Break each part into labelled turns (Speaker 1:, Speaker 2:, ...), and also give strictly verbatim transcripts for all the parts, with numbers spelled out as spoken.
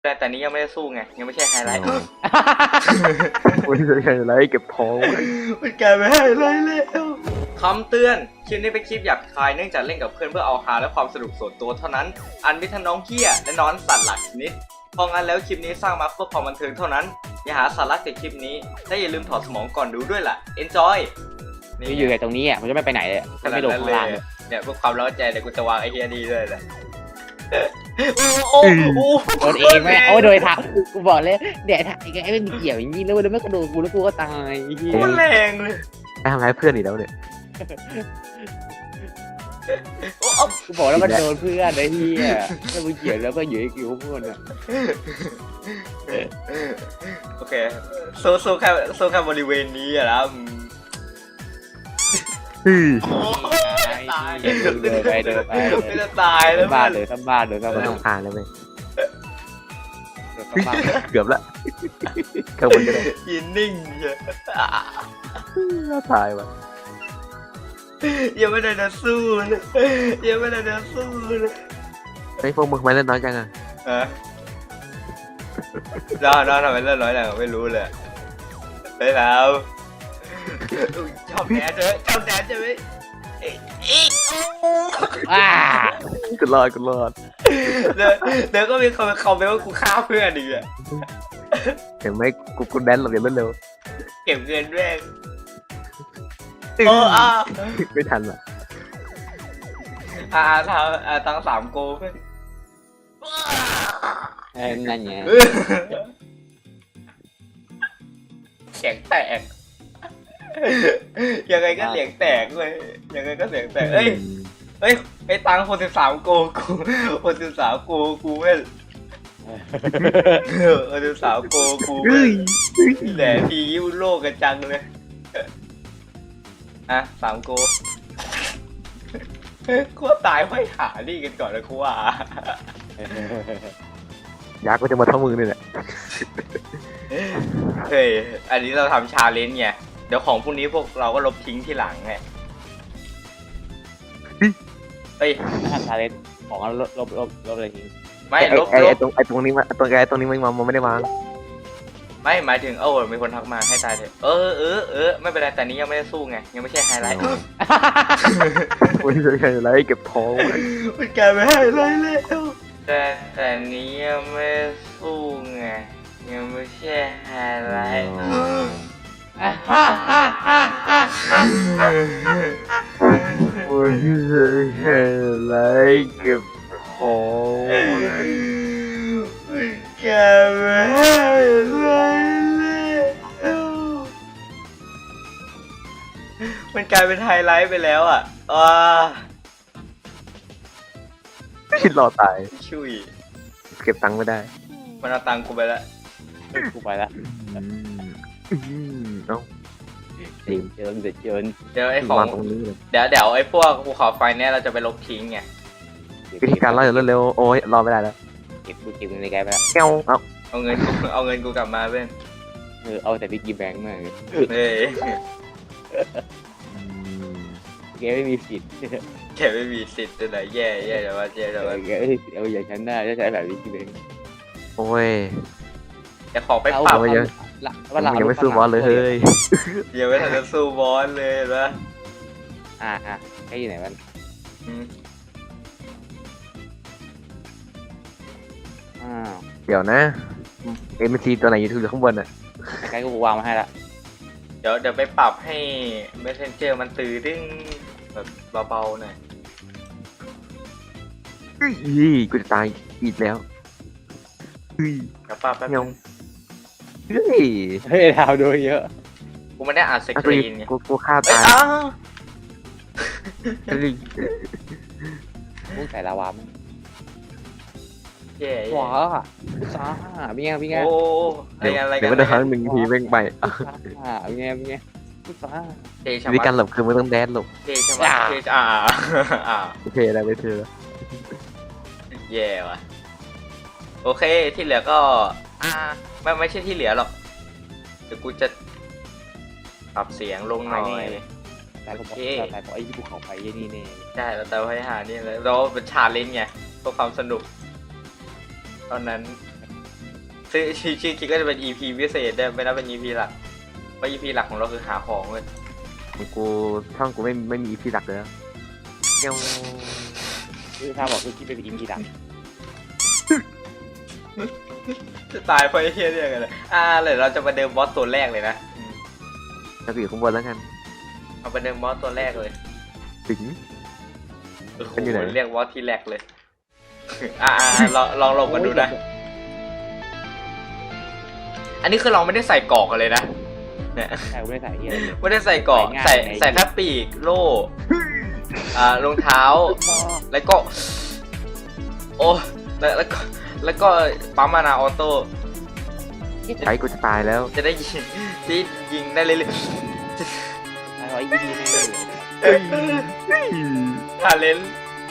Speaker 1: แต่แต่นี้ยังไม่ได้สู้ไงยังไม่ใช่ไฮไลท์
Speaker 2: ไม่ใช่ไฮไลท์เก็บทอง
Speaker 1: มันกลายเป็นไฮไลท์แล้วคำเตือนคลิปนี้เป็นคลิปหยาบคายเนื่องจากเล่นกับเพื่อนเพื่อเอาฮาและความสนุกส่วนตัวเท่านั้นอันมิทันน้องเหี้ยและน้องสัตว์หลักชนิดเพราะงั้นแล้วคลิปนี้สร้างมาเพื่อความบันเทิงเท่านั้นอย่าหาสาระจากคลิปนี้และอย่าลืมถอดสมองก่อนดูด้วยล่ะ enjoy
Speaker 3: นี่อยู่ในตรงนี้อ่ะมันจะไม่ไปไหนเลยมันไม่ลงข้างล่างเลย
Speaker 1: เนี่ยเพื่อความเล้าใจเดี๋ยวกูจะวางไอ้เฮียดีด้วยแหละโอ้โอ้โอ้
Speaker 3: โดนเองไหมโอ้ยโดยทักกูบอกเลยเดี๋ยวทักไอ้ไอ้มันเกี่ยวอย่างนี้แล้วแล้วไม่กระโดดกูแล้วกูก็ตายไอ้เหี้ย
Speaker 1: โคตรแรงเลย
Speaker 2: ไปทำร้ายเพื่อนอีกแล้วเนี่ย
Speaker 1: โอ้เอา
Speaker 3: กูบอกแล้วมันโดนเพื่อนไอ้เหี้ยถ้ามึงเกี่ยวแล้วก็อยู่ไอ้คิวพวกมันอ่ะ
Speaker 1: โอเคโซโซแค่โซแค่บริเวณนี้อะนะ
Speaker 2: ฮึ่ย
Speaker 1: ตาย
Speaker 3: เดินไปเดินไป
Speaker 1: ไม่จะตายแล้ว
Speaker 3: บ้านเลยทั้งบ้านเลยทั้ง
Speaker 2: ไม่
Speaker 3: บ้าน
Speaker 2: ต้องผ่านเลยไหม
Speaker 3: ทั้งบ้าน
Speaker 2: เกือบละข้างบนก็ได้
Speaker 1: ยืนนิ่งเฉย
Speaker 2: น่าตายว่ะ
Speaker 1: ยังไม่ได้จะสู้เลยยังไม่ได้จะสู้เลย
Speaker 2: ไอ้พวกมึงทำไมเล่นน้อยจังอ่ะ
Speaker 1: ฮะน้าน้าทำไมเล่นน้อยจังไม่รู้เลยไปแล้วชอบแดนใช่ไหมชอบแดนใช่ไหม
Speaker 3: อ้า
Speaker 2: กูรอดกูรอด
Speaker 1: เดี๋ยวเดี๋ยวก็มีคนมาคอมเมนต์ว่ากูฆ่าเพื่อนอีกอะ
Speaker 2: เห็นไหมกูกูแดนหลบอย่างรวดเร็ว
Speaker 1: เก็บเงินแม่งโอ้อา
Speaker 2: ไม่ทันอ่ะ
Speaker 1: อาทำอาตั้งสามโกเพื่อน
Speaker 3: เอ้ยนั่นไง
Speaker 1: เสียงแตกยังไงก็เสียงแตกเลยยังไงก็เสียงแตกเอ้ยเอ้ยไอ้ตังคนสิบสามโกกูคนสิบสามโกกูเว้ยคนสิบสามโกกูเว้
Speaker 2: เฮ้
Speaker 1: ย
Speaker 2: ย
Speaker 1: แต่ทียิ้วโลกกันจังเลยอ่ะสามโกกูว่าตายไม่หานี่กันก่อนนะกูว่า
Speaker 2: ยักษ์ก็จะมาเท่ามือนี่แหละ
Speaker 1: เฮ้ยอันนี้เราทำชาเลนจ์ไงเดี๋ยวของพวกนี้พวกเราก็ลบทิ้งทีหลังไงเฮ้ย
Speaker 3: ถ้าทาเลนของลบลบลบลบอะไรทิ้ง
Speaker 1: ไม่
Speaker 2: ไอ้
Speaker 1: ลบ
Speaker 2: ไอ้
Speaker 1: ล
Speaker 2: ไอ้
Speaker 1: บ
Speaker 2: ตรงไอ้ตรงนี้มาตรงไอ้ตรงนี้มันมันไม่ได้วาง
Speaker 1: ไม่หมายถึงเออมีคนทักมาให้ตายเถอะเออเออเออไม่เป็นไรแต่นี้ยังไม่ได้สู้ไงยังไม่ใช่ไฮไลท์
Speaker 2: ไม่ใช่ไฮไลท์เก็บทอง
Speaker 1: มันกลายเป็นไฮไลท์แล้วแต่แต่นี้ยังไม่ได้สู้ไงยังไม่ใช่ไฮไลท์
Speaker 2: ไม่ใช่ไฮไลท์เก็บทอง
Speaker 1: มันกลายเป็นไฮไลท์แล้วมันกลายเป็นไฮไลท์ไปแล้วอ่ะอ่า
Speaker 2: คิดรอตาย
Speaker 1: ชุย
Speaker 2: เก็บตังค์ไม่ได้
Speaker 1: มันเอาตังค์กูไปแล้ว
Speaker 3: กูไปละ
Speaker 2: อืมเอ้า
Speaker 3: เดี๋ยวเจอเดี๋ยวเจอ
Speaker 1: เดี๋ยวไอ้ของ
Speaker 2: วางตรงนี้เลย
Speaker 1: เดี๋ยวเดี๋ยวไอ้พวกภูเขาไฟเนี่ยเราจะไปลบทิ้งไง
Speaker 2: วิธีการรอดอย่างรวดเร็วโอ้ยรอไม่ได้แล้ว
Speaker 3: เก็บกูเก็บเงินในแกไปละ
Speaker 2: แก้วเอ้า
Speaker 1: เอาเงินกูเอาเงินกูกลับมาเพื่อน
Speaker 3: เออเอาแต่บิ๊กกี้แบงค์มา
Speaker 1: เฮ้ย
Speaker 3: แกไม่มีสิทธิ์
Speaker 1: แกไม่มีสิทธิ์ตัวไหนแย่แย่แต่ว่าแย่แต่ว่า
Speaker 3: แกเอาอย่างฉันได้จะใช้แบบบิ๊กกี้แบงค์
Speaker 2: โอ้ย
Speaker 1: แต่ขอไปปรับ
Speaker 2: เอาไว้เยอะ
Speaker 3: ว่าเรา
Speaker 2: ยังไม่สู้บอสเลยเฮ้ย
Speaker 1: ยังไม่ทันจะสู้บอสเลยนะ
Speaker 3: อ่าอ่ะแกอยู่ไหนมัน
Speaker 1: อืม
Speaker 3: อ้าว
Speaker 2: เดี๋ยวนะเอ็มซีตัวไหนอยู่ข้างบนอ่ะ
Speaker 3: แกก็วางมาให้ละ
Speaker 1: เดี๋ยวเดี๋ยวไปปรับให้ Messenger มันตื่นดึงแบบเบาๆหน่อย
Speaker 2: ยี่กูจะตายอีกแล้วเฮ้ย
Speaker 1: เดี๋ยวปรับแป๊บ
Speaker 2: เงา
Speaker 1: นึง
Speaker 2: เฮ้ย
Speaker 3: เฮ้ยดาวโดยเยอะ
Speaker 1: กูไม่ได้อ่านส
Speaker 2: เอา
Speaker 1: ก
Speaker 2: ตัว
Speaker 1: รี
Speaker 2: นี้
Speaker 1: นไง
Speaker 2: กูกูฆ่า
Speaker 1: เอ้ย
Speaker 2: ตาย
Speaker 1: อ้าว
Speaker 2: เฮ้ย
Speaker 3: มุ้งใส่ลาวามั้ง
Speaker 1: แย่
Speaker 3: ว้า
Speaker 1: แย่
Speaker 3: ซ่าเป็นไงเป็นไง
Speaker 1: โอ้อะไร
Speaker 2: เดี๋ยว
Speaker 1: กันอะไรกั
Speaker 2: เดี๋ย
Speaker 1: น
Speaker 2: วมันจะครั้งหนึ่งทีเว้งไปอ่ะ
Speaker 3: ซ่าเป็นไงเป็นไงซ่า
Speaker 1: เทชะ
Speaker 2: วิธี
Speaker 1: มั
Speaker 2: การ
Speaker 1: ด
Speaker 2: หลบคือไม่ต้องแดนหลบ
Speaker 1: เทชะมัดเทชะอ่าอ่า
Speaker 2: โอเคได้เลยเธอ
Speaker 1: แย่ว่ะโอเคที่เหลือก็อ่าไม่ไม่ใช่ที่เหลือหรอกเดี๋ยวกูจะปรับเสียงลงหน่อย
Speaker 3: แต่ผมบอกแต่ผมไอ้ที่ภูเขาไฟยี่นี่เนี่ย
Speaker 1: ใช่เราแต่ว่าให้หานี่เลยเราเป็นชาเลนจ์ไงเพื่อความสนุกตอนนั้นซึ่งชื่อชื่อคลิปก็จะเป็น อี พี พิเศษได้ไม่นับเป็น อี พี หลักเพราะ อี พี หลักของเราคือหาของเว้ย
Speaker 2: ของกูช่องกูไม่ไม่มีอีพีหลักเลยเงี้ยว
Speaker 3: คือถ้าบอกคือคิดเป็นอิมพีดัง
Speaker 1: จะตายเพราะไอ้เหี้ยเนี่ยกันเลยอ่าเลยเราจะมาเดิมบอสตัวแรกเลยนะอืม
Speaker 2: จะอยู่ข้างบนแล้วกัน
Speaker 1: เอาไปเดิมบอสตัวแรกเลย
Speaker 2: ถึง
Speaker 1: โอ้โห
Speaker 2: เป็นอยู่ไหน
Speaker 1: เรียกบอสที่แรกเลย อ่าลองลองลงกันดูนะ อันนี้คือเราไม่ได้ใส่เกาะกันเลยนะเนี่ย
Speaker 3: ใช่ไม่ได้ใส่เหี้ย
Speaker 1: ไม่ได้ใส่เกาะ
Speaker 3: ใส่
Speaker 1: ใส่
Speaker 3: ง่าย
Speaker 1: ใส่แค่ปีกโล่อ่ารองเท้า แล้วก็ โอ้แล้วแล้วก็แล้วก็ปั๊มมานาออโต้
Speaker 2: ใช้กูจะตายแล้ว
Speaker 1: จะได้ยิงที่ยิงได้เรื่อย
Speaker 3: ไอ้ร้อยยี่สิบแน่เลย
Speaker 1: ๆทาเลน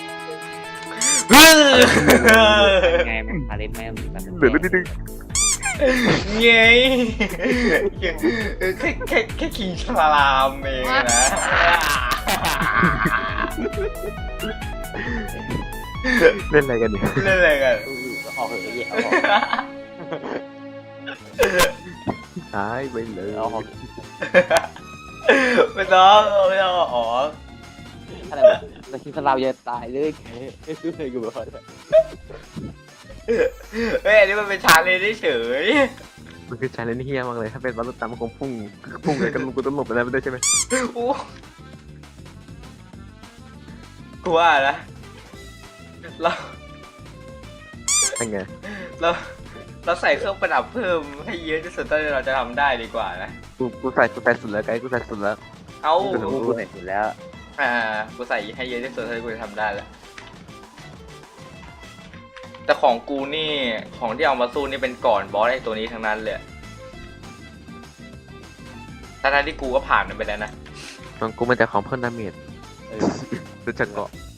Speaker 3: ไงมันพาเล่นแม่งมัน
Speaker 2: เหลือนิดนึง
Speaker 1: เงยแค่แค่แค่ขิงฉลามเองนะ
Speaker 2: เล่นอะไรกันเนี่ย
Speaker 1: เล่นอะไรกัน
Speaker 3: ออกเหอะไอ้เหี้ยเอาออก
Speaker 2: ตายไปเลย
Speaker 3: เอาออก
Speaker 1: ไม่ต้องไม่ต้องอ๋อ
Speaker 3: อะไรวะแต่คิดว่าเราจะตายเลยแค่ซื้อเลยกูบอกเลย
Speaker 1: เฮ้ยอันนี้มันเป็นชาเลนจ์เฉย
Speaker 2: มันคือชาเลนจ์เฮี้ยมากเลยถ้าเป็นบอลลูนตามมันคงพุ่งพุ่งเลยกันมึงกูต้องหลบไปแล้วไม่ได้ใช่ไหม
Speaker 1: โอ้กูว่านะเรา
Speaker 2: เป็นไง
Speaker 1: เราเราใส่เครื่องประดับเพิ่มให้เยอะที่สุดเท่าที่เราจะทำได้ดีกว่านะ
Speaker 2: กูกูใส่กูใส่สุดแล้วไกด์กูใส่สุดแล้ว
Speaker 1: เอา
Speaker 3: กูกูเห็นอยู่แล้ว
Speaker 1: อ่ากูใส่ให้เยอะที่สุดเท่าที่กูจะทำได้แล้วแต่ของกูนี่ของที่เอามาสู้นี่เป็นก่อนบอสไอ้ตัวนี้ทั้งนั้นเลยทั้งๆที่กูก็ผ่านมันไปแล้วนะ
Speaker 2: ของกูมันจะของเพิ่มดาเมจ
Speaker 3: เออ
Speaker 2: รู้จักเกาะ